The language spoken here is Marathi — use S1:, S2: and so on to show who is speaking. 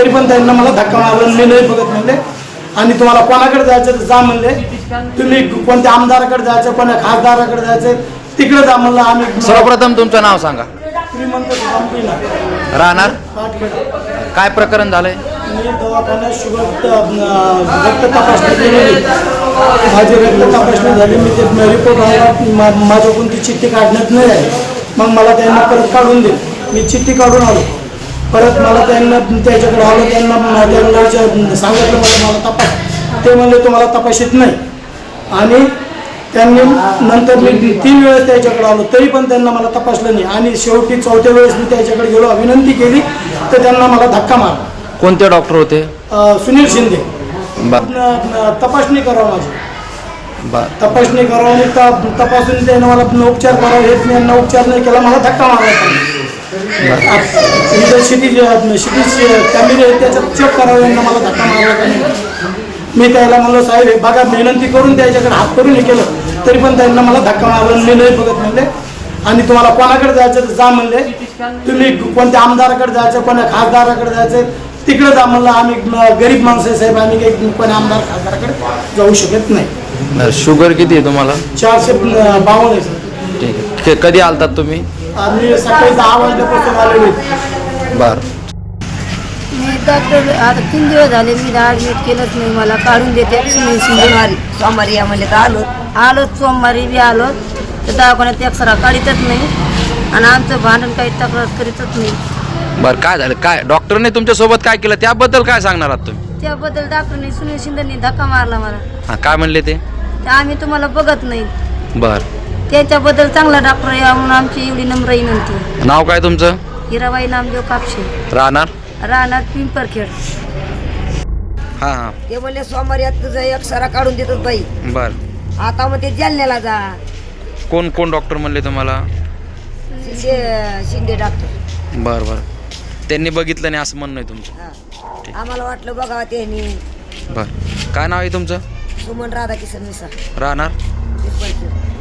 S1: तरी पण त्यांना मला धक्का मारला, मी नाही बघत म्हणले. आणि तुम्हाला कोणाकडे जायचं तर जा म्हणले, तुम्ही कोणत्या आमदाराकडे जायचं, कोणत्या खासदाराकडे जायचं तिकडे जा म्हणलं. आम्ही
S2: सर्वप्रथम तुमचं नाव सांगा.
S1: श्रीमंत सुदामपिला
S2: राहणार
S1: पाटखेड.
S2: काय प्रकरण झालंय?
S1: मी दवाखान्यात रक्त तपासणी केलेली, माझी रक्त तपासणी झाली, मी ते रिपोर्ट आला, माझ्याकडून ती चिठ्ठी काढण्यात नाही आहे. मग मला त्यांना परत काढून दिली, मी चिठ्ठी काढून आलो. परत मला त्यांना त्याच्याकडे आलो, त्यांना सांगितलं मला तपास, ते म्हणले तुम्हाला तपासित नाही. आणि त्यांनी नंतर मी 3 वेळेस त्याच्याकडे आलो, तरी पण त्यांना मला तपासलं नाही. आणि शेवटी 4थ्या वेळेस मी त्याच्याकडे गेलो, विनंती केली तर त्यांना मला धक्का मारला.
S2: कोणते डॉक्टर होते?
S1: सुनील शिंदे. तपासणी करावं माझी, तपासणी करावं आणि तपासून त्यानं मला उपचार करावा, हेच मी यांना उपचार नाही केला, मला धक्का मारला. सिटी कॅमेरे आहेत त्याच्यात चेक करावं, यांना मला धक्का मारला का नाही. मी त्याला म्हणलं साहेब हे बघा, विनंती करून त्याच्याकडे हात करून हे केलं, तरी पण त्यांना मला धक्का मारला, मी नाही बघत म्हणले. आणि तुम्हाला कोणाकडे जायचं तर जा म्हणले, तुम्ही कोणत्या आमदाराकडे जायचं, कोणत्या खासदाराकडे जायचं तिकडे जा म्हणलं. आम्ही गरीब माणसं आहे साहेब, आम्ही काही कोणी आमदार खासदाराकडे जाऊ शकत नाही.
S2: शुगर किती आहे तुम्हाला?
S1: 452 आहे सर.
S2: ठीक आहे. कधी आलतात तुम्ही?
S1: आम्ही सकाळी 10 वाजल्यापासून आलेलो आहे.
S2: बरं.
S3: मी डॉक्टर आता 3 दिवस झाले, मी ॲडमिट केलंच नाही. मला काढून देते सोमवारी या म्हणले तर आलो सोमवारी बी आलो तर दवाखान्यात एक्सरा काढतच नाही आणि आमचं भांडण काही तक्रार करीतच नाही.
S2: बरं, काय झालं? काय डॉक्टरने तुमच्यासोबत काय केलं त्याबद्दल काय सांगणार आहात तुम्ही?
S3: त्याबद्दल डॉक्टरने सुनील शिंदेनी धक्का मारला मला.
S2: हां, काय म्हणले ते?
S3: आम्ही तुम्हाला बघत नाही.
S2: बरं. त्याच्याबद्दल
S3: चांगला डॉक्टर या म्हणून आमची एवढी नम्र विनंती.
S2: नाव काय तुमचं?
S3: हिराबाई नामदेव कापशे. राहणार पिंपरखेड.
S2: हां हां.
S3: ते म्हणले सोमवारी तुझा एक्सरा काढून देतो बाई.
S2: बरं.
S3: आता मग ते जालन्याला जा.
S2: कोण कोण डॉक्टर म्हणले तुम्हाला?
S3: शिंदे डॉक्टर.
S2: बरं बरं. त्यांनी बघितलं नाही असं म्हणणं आहे तुमचं?
S3: आम्हाला वाटलं बघा त्यांनी.
S2: बरं. काय नाव आहे तुमचं?
S3: सुमन राधाकिशन मिसा.
S2: राहणार